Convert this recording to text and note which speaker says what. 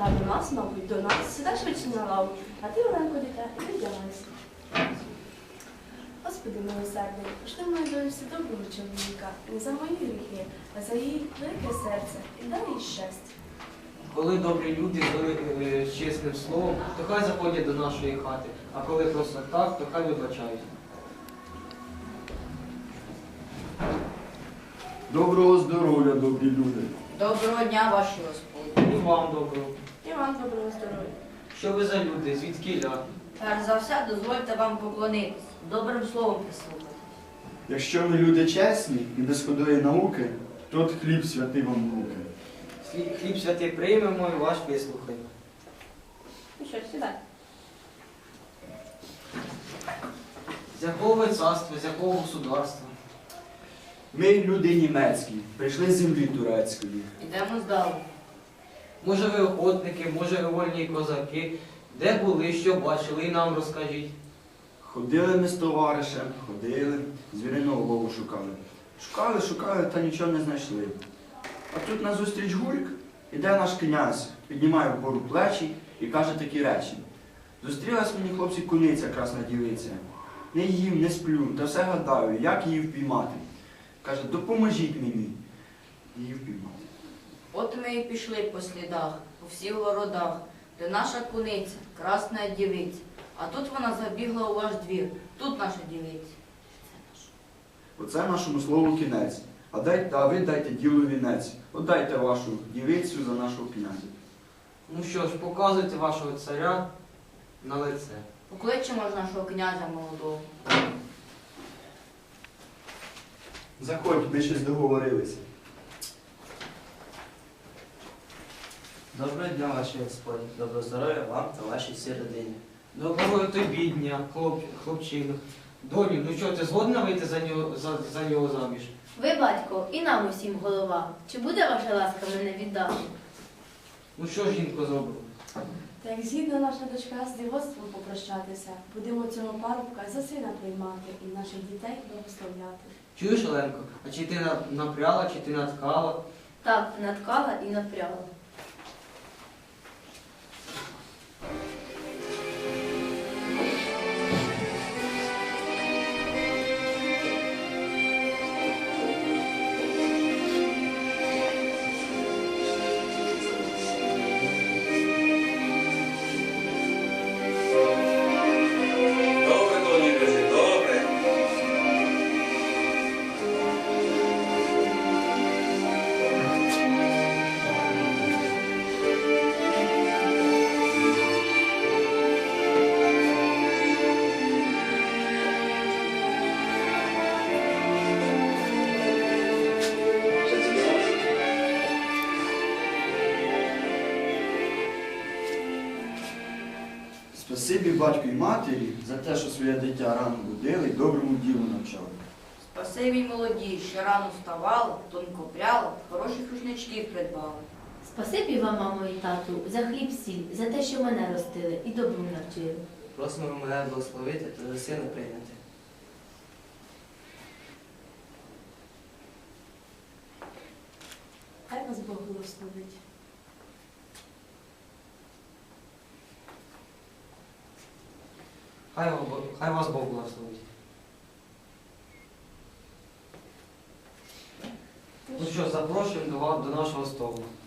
Speaker 1: А до нас, мабуть, до нас. Сідай швидше на лаву, а ти, Оленко, дитя, і віддягайся. Господи милосердний, пошли мою доньці доброго чоловіка, не за мої гріхи, а за її велике серце, і дай їй щастя.
Speaker 2: Коли добрі люди з чесним словом, то хай заходять до нашої хати, а коли просто так, то хай вибачають.
Speaker 3: Доброго здоров'я, добрі люди.
Speaker 4: Доброго дня, ваші господи.
Speaker 2: І вам доброго.
Speaker 1: І вам доброго здоров'я.
Speaker 2: Що ви за люди, звідкіля?
Speaker 4: Перш за все, дозвольте вам поклонитись, добрим словом прислухати.
Speaker 3: Якщо ми люди чесні і без худої науки, то от хліб святий вам в руки.
Speaker 2: Хліб святий приймемо і ваш вислухаємо.
Speaker 1: Ну що, сідай.
Speaker 2: З якого ви царства, з якого государства?
Speaker 3: Ми люди німецькі, прийшли з землі турецької.
Speaker 4: Ідемо здалу.
Speaker 2: Може ви охотники, може ви вольні козаки? Де були, що бачили, і нам розкажіть.
Speaker 3: Ходили ми з товаришем, ходили, звіриного лову шукали. Шукали, та нічого не знайшли. А тут назустріч гульк, іде наш князь, піднімає вгору плечі і каже такі речі. Зустрілась мені, хлопці, куниця красна дівиця. Не їм, не сплю, та все гадаю, як її впіймати. Каже, допоможіть мені її впіймати.
Speaker 4: От ми і пішли по слідах, по всіх городах, де наша куниця, красна дівиця. А тут вона забігла у ваш двір, тут наша дівиця.
Speaker 3: Оце нашому слову кінець. А ви дайте ділу вінець. Отдайте вашу дівицю за нашого князя.
Speaker 2: Ну що ж, показуйте вашого царя на лице.
Speaker 4: Покличемо ж нашого князя молодого.
Speaker 3: Заходь, ми щось договорилися.
Speaker 5: Доброго дня, ваші господі. Доброго здоров'я вам та вашій всій родині.
Speaker 2: Доброго тобі дня, хлопчину. Доню, ну що, ти згодна вийти за нього заміж?
Speaker 6: Ви, батько, і нам усім голова. Чи буде ваша ласка мене віддати?
Speaker 2: Ну що ж, жінко, зробимо?
Speaker 1: Та як згідно наша дочка з дівоцтвом попрощатися, будемо цього парубка за сина приймати і наших дітей благословляти.
Speaker 2: Чуєш, Оленко, а чи ти напряла, чи ти наткала?
Speaker 6: Так, наткала і напряла.
Speaker 7: Добре, доні, кажи, добре.
Speaker 3: Спасибі батьку і матері за те, що своє дитя рано будили і доброму ділу навчали.
Speaker 4: Спасибі молоді, що рано вставала, тонко пряла, хороших рушничків придбала.
Speaker 6: Спасибі вам, мамо і тату, за хліб сіль, за те, що мене ростили і добру навчили.
Speaker 5: Просимо мене благословити та за сина прийняти.
Speaker 1: Хай вас Бог благословить.
Speaker 2: Хай вас Бог благословить. Ну що, запрошуємо до нашого столу.